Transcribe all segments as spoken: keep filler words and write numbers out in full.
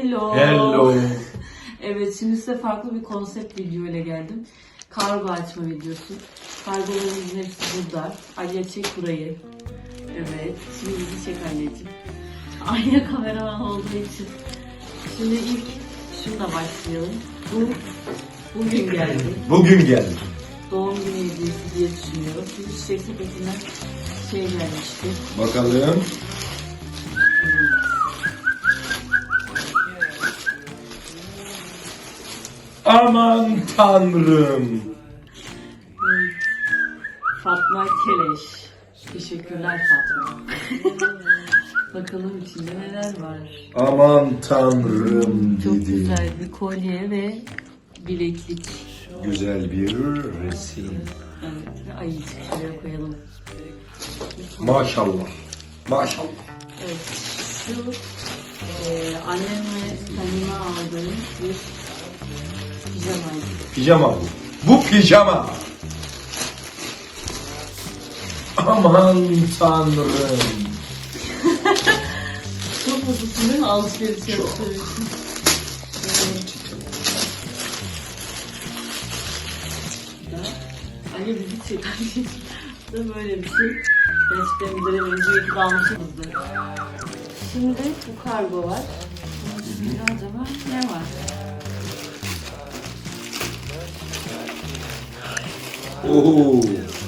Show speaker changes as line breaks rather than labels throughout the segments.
Hello.
Hello.
Evet, şimdi size farklı bir konsept video ile geldim. Kargo açma videosu. Kargolarımızın hepsi burada. Aliye çek burayı. Evet, şimdi bizi çek anneciğim. Aliye kameraman olduğu için. Şimdi ilk şununla başlayalım. Bu bugün geldi.
Bugün geldi.
Doğum günü hediyesi diye düşünüyorum. Şimdi çiçek sepetinden şey gelmişti.
Bakalım. Aman tanrım.
Evet. Fatma Keleş. Teşekkürler Fatma. Bakalım içinde neler var.
Aman tanrım
Çok
dedi.
güzel bir kolye ve bileklik.
Güzel bir resim.
Evet, ve ayıcık şuraya koyalım.
Maşallah. Maşallah.
Evet, şu e, annem ve kendime aldığım bir pijamaydı.
Pijama bu. Bu pijama. Aman tanrım.
Çok mutlusun değil mi? Alışveriş yaptığım için. Anne bizi çek. Bu da böyle bir şey. Gerçekten bir dönem önce iki almışızdır. Şimdi bu kargo var. Bunun içinde acaba ne var?
Oo.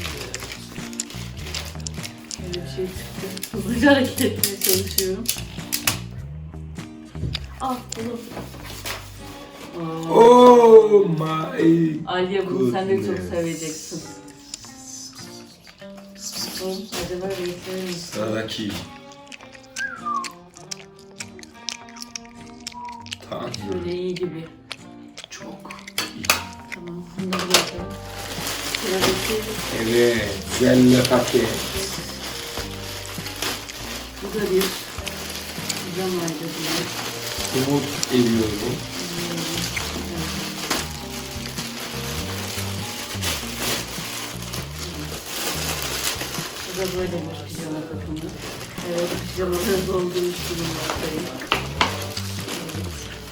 Böyle bir şey çıktı. Hızlıca hareket etmeye çalışıyorum. Ah bunu.
Oh my.
Aliye bunu sen de çok
goodness.
seveceksin. Bu acaba renkleri mi?
Sıradaki. Tanrım.
Şöyle iyi gibi.
Çok iyi.
Tamam, bunu da bırakalım. Sıradaki
Evet. Güzel paket.
bu da bir pijamaydı diye.
Umut ediyorum.
Bu da böyle bir pijama takımı. Evet, pijamaları doldurmuş durumdayım. Evet.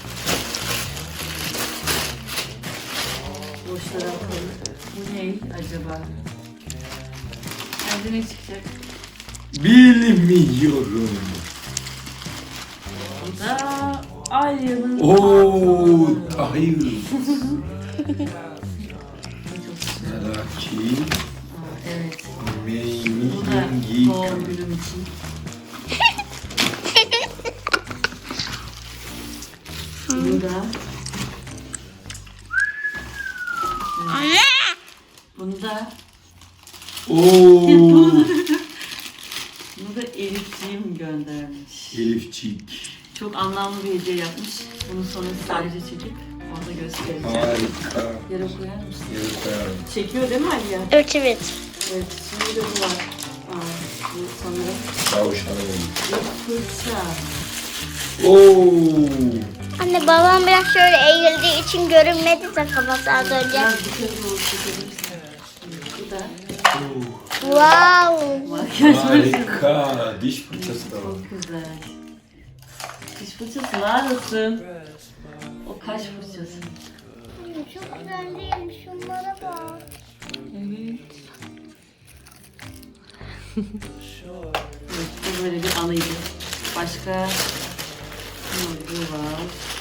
Boşlara atalım. Bu ne acaba? Bence ne çıkacak?
Bilmiyorum.
Bu da Alya'nın
Oo,
pantolonu.
hayır.
Bu çok güzel.
Sıradaki.
Aa, evet. Bu da
Meymin
doğum günüm için. Bu da
Anne!
bunu da
Oo.
bunu da Elifciğim göndermiş.
Elifçik.
Çok anlamlı bir hediye yapmış. Bunu sonra sadece çekip orada göstereceğim.
Harika.
Yere koyar mısın?
Yere koyarım.
Çekiyor değil mi Aliye?
Evet evet.
Evet. Şimdi de bu var. Aa, bu sanırım
Tavşanım.
bir fırça.
Oo.
Anne babam biraz şöyle eğildiği için görünmedi de kafası az önce.
Biraz yukarı doğru çekebilirsin. Bu da
Wow.
makyaj fırçası.
Harika. Diş fırçası da var.
Çok güzel. Diş fırçası neredesin? O kaş fırçası.
Çok güzel değil mi? Şunlara bak.
Evet. Evet, bu böyle bir anıydı. Başka ne var?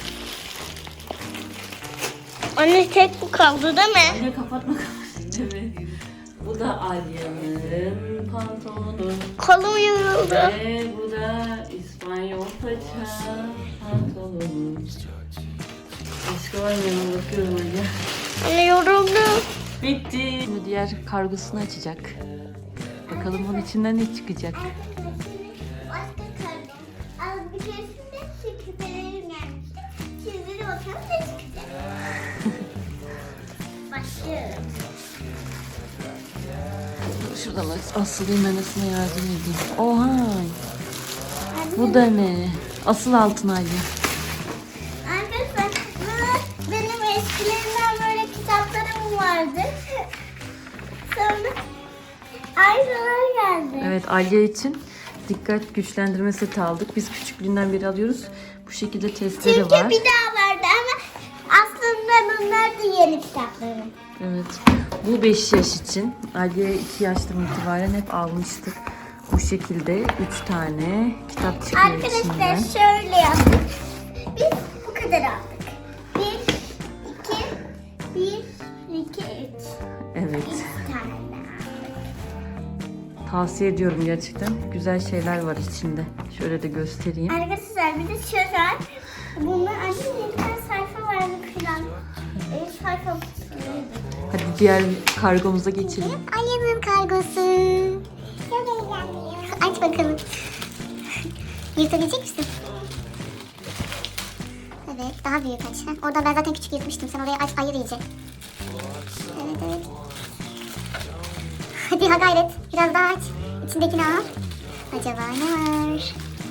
Anne tek bu kaldı değil mi?
Anne kapatma kapatma. Evet. Bu da Alya'nın pantolonu.
Kolum yoruldu.
Ve bu da İspanyol paça pantolonu. Başka var mı? Yana bakıyorum Alya.
Anne yoruldum.
Bitti. Şimdi diğer kargosunu açacak. Bakalım onun içinden ne çıkacak.
Başka kaldı. Az bir keresinde şekillerim gelmişti. Şimdi de bakalım ne çıkacak. Başlıyorum.
Şuradan asılayım anasına yardım edeyim. Oha! Bu da ne? Asıl altın Alya.
Arkadaşlar bu benim eskilerimden böyle kitaplarım vardı. Sonra aynalar geldi.
Evet, Alya için dikkat güçlendirme seti aldık. Biz küçüklüğünden beri alıyoruz. Bu şekilde testleri
Çünkü
var.
bir daha vardı ama aslında bunlar da yeni kitaplarım.
Evet. Bu beş yaş için. Aliye iki yaştan itibaren hep almıştık. Bu şekilde üç tane kitap çıkıyor
Arkadaşlar
içinden.
şöyle yaptık. Biz bu kadar aldık. Bir, iki, bir, iki, üç.
Evet.
İki tane daha.
Tavsiye ediyorum gerçekten. Güzel şeyler var içinde. Şöyle de göstereyim.
Arkadaşlar bir de şöyle. Bunlar annem yedi tane sayfa vardı falan. E, sayfa.
Hadi diğer kargomuza geçelim.
Aliye'nin kargosu. Aç bakalım. Yırtabilecek misin? Evet, daha büyük aç. Heh, orada ben zaten küçük yırtmıştım. Sen oraya aç, ayır iyice. Evet, evet. Hadi ha gayret. Biraz daha aç. İçindekini al. Acaba ne var?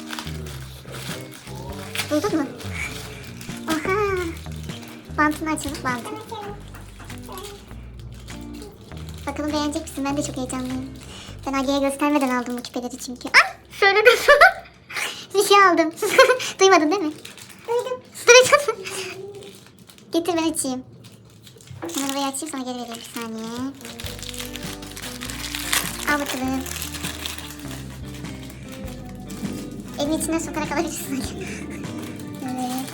Buldun mu? Oha. Bantını açalım, bantı. Bakalım beğenecek misin? Ben de çok heyecanlıyım. Ben Aliye'ye göstermeden aldım bu küpeleri çünkü. Ay! Söyledim sana. Bir şey aldım. Duymadın değil mi? Duydum. Duydun mu? Getir ben açayım. Hemen orayı açayım sana geri vereyim bir saniye. Al bakalım. Elin içinden sokarak alabilirsin. Evet.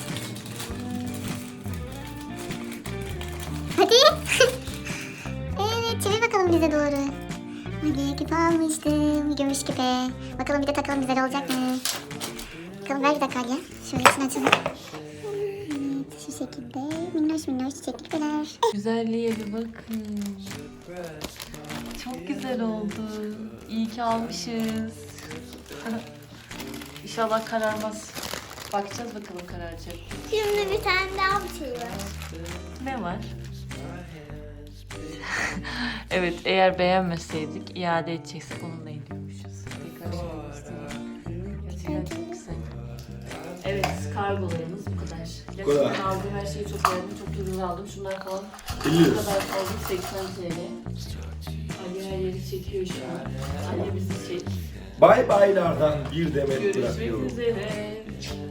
Hadi. Evet, çevir bakalım bize doğru. Hadi küpe almıştım. Gümüş küpe. Bakalım bir de takalım güzel olacak mı? Bakalım ver bir dakika ya. Şöyle içini açalım. Evet, şu şekilde minnoş minnoş çiçekli küpeler.
Güzelliğe bir bakın. Çok güzel oldu. İyi ki almışız. İnşallah kararmaz. Bakacağız bakalım kararacak.
Şimdi bir tane daha bir şey var.
Ne var? Evet, eğer beğenmeseydik iade edeceksek onunla ediyormuşuz. Tekrar şöyle göstereyim. Gerçekten çok güzel. Evet, kargolarımız bu kadar.
kadar.
Gerçekten aldığım her şeyi çok beğendim. Çok ucuz aldım. Şunlar falan
elli
bu
lira.
kadar aldım. seksen TL. Ali her yeri çekiyor şu an. Ali bizi çek.
Bay baylardan bir demet
Görüşmek
bırakıyorum.
üzere.